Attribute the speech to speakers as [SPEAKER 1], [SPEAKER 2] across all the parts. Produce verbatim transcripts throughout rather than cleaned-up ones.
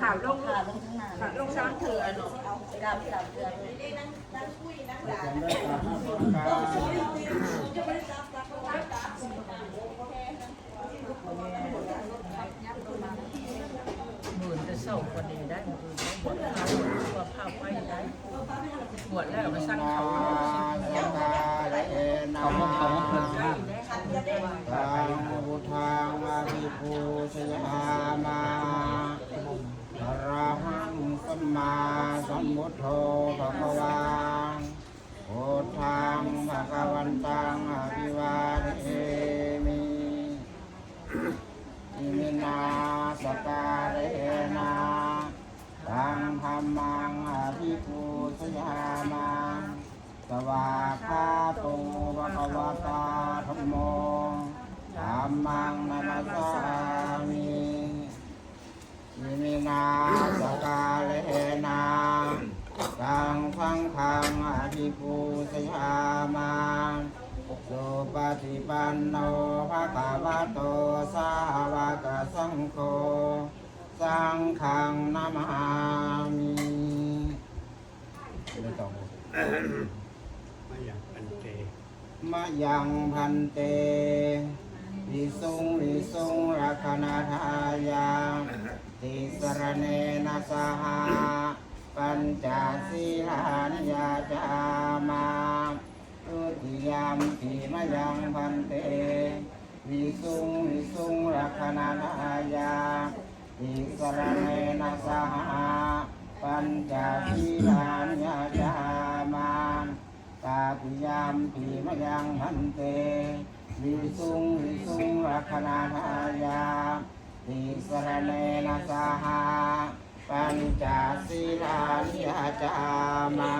[SPEAKER 1] ข่าวลง
[SPEAKER 2] ขาลงทั้งหน้า
[SPEAKER 1] ข่าวลงซ้ำเถื่อน
[SPEAKER 2] เอาดามสามเดือน
[SPEAKER 3] หมื่นจะเศร้ากว่านี้ได้หมื่นได้บวชข้าวตัวผ้าไว้ได้บวชแล้วไปสร้างเขา
[SPEAKER 4] เขามองเขามองเพลิน
[SPEAKER 3] ได้
[SPEAKER 4] มาก
[SPEAKER 3] ได้
[SPEAKER 4] ทางพุทธังอภิปูชยามาอรหังสัมมาสัมพุทโธภะคะวาพุทธังภะคะวันตังอภิวาเทมิอิมินาสการเรนะตังธัมมังอภิปูชยามาสวากขาโตภะคะวะตาธัมโมธัมมังนัมสสามิอิมินาสการเลนะตังฆังขังอภิปูชยามาสุปฏิปันโนภะคะวะโตสาวกสังโฆสังฆังนะมามิไม่ต้องมายังพันเตมายังพันเตวิสุงวิสุงรักนาทายาติสรเนนะสหาปัญจศีลานิยาจามาตุติยามปิมายังพันเตวิสุงวิสุงรักนาทายาติสรเนนะสหาปัญจศีลานิยาจามาตาติยามปิมายังพันเตวิสุงวิสุงรักนาทายาติสรเนนะสหาปัญจศีลานิยาจามา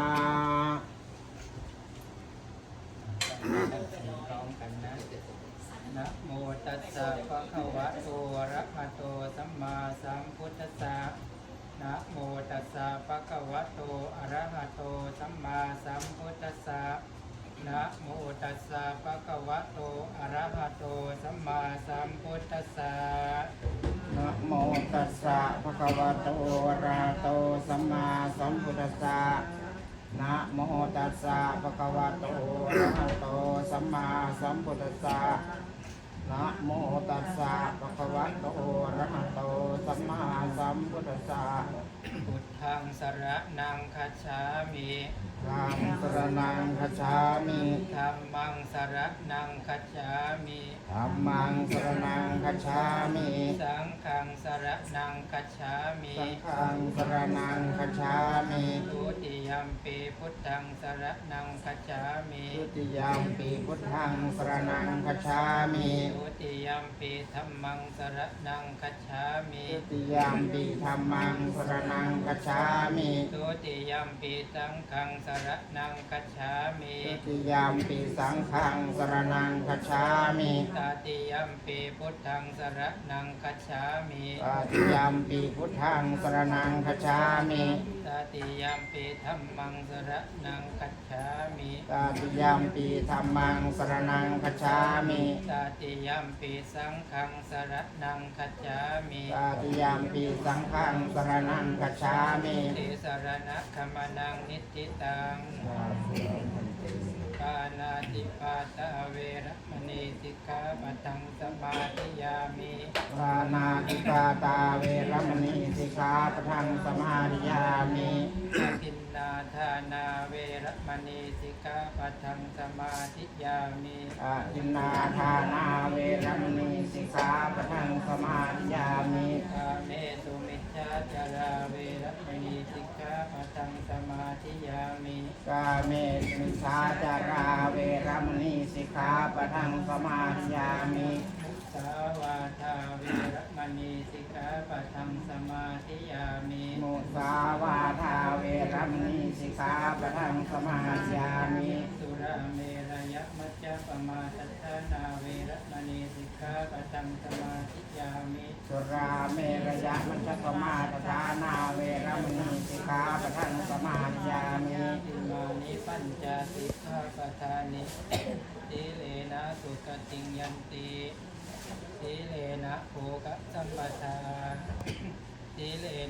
[SPEAKER 4] พร้อมกันนะนะโมตัสสะภะคะวะโตอะระหะโตสัมมาสัมพุทธัสสะนะโมตัสสะภะคะวะโตอะระหะโตสัมมาสัมพุทธัสสะนะโมตัสสะภะคะวะโตอะระหะโตสัมมาสัมพุทธัสสะนะโมตัสสะภะคะวะโตอะระหะโตสัมมาสัมพุทธัสสะนะโมตัสสะภะคะวะโตอะระหะโตสัมมาสัมพุทธัสสะนะโมตัสสะภะคะวะโตอะระหะโตสัมมาสัมพุทธัสสะพุทธังสรณังคัจฉามิธัมมังสรณังคัจฉามิธัมมังสรณังคัจฉามิธัมมังสรณังคัจฉามิสังฆังสรณังคัจฉามิสังฆังสรณังคัจฉามิทุติยัมปิพุทธังสรณังคัจฉามิทุติยัมปิพุทธังสรณังคัจฉามิทุติยัมปิธัมมังสรณังคัจฉามิทุติยัมปิธัมมังสรณังคัจฉามิทุติยัมปิสังฆังสรณังคัจฉามิทุติยัมปิสังฆังสรณังคัจฉามิตติยัมปิพุทธังสรณังคัจฉามิตติยัมปิพุทธังสรณังคัจฉามิตติยัมปิธัมมังสรณังคัจฉามิตติยัมปิธัมมังสรณังคัจฉามิตติยัมปิสังฆังสรณังคัจฉามิตติยัมปิสังฆังสรณังคัจฉามิติสรณะคัมมนังนิติตังปานาติปาตาเวรมณีสิกขาปะทังสมาธิยามิปานาติปาตาเวรมณีสิกขาปะทังสมาธิยามิอาทินนาทานาเวรมณีสิกขาปะทังสมาธิยามิอาทินนาทานาเวรมณีสิกขาปะทังสมาธิยามิกาเมสุมิจฉาจาราเวรมณีสิกขาปะทังสมาธิยามิกาเมสุมิจฉาจาราเวรมณีสิกขาปะทังสมาธิยามิสาวาทาเวรมณีสิกขาปะทังสมาธิยามิมุสาวาทาเวรมณีสิกขาปะทังสมาธิยามิสุราเมรยมัจจปมาทัฏฐานาเวรมณีสิกขาปะทังสมาธิยามิสุราเมรยมัจจปมาทัฏฐานาเวรมณีสิกขาปะทังสมาธิยามิอิมานิปัญจสิกขาปทานิสีเลนะสุขติงยันติสีเลนะโภคสัมปทาสีเล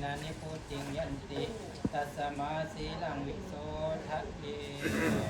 [SPEAKER 4] นะนิพุติงยันติตัสมาสีลังวิโสทะเย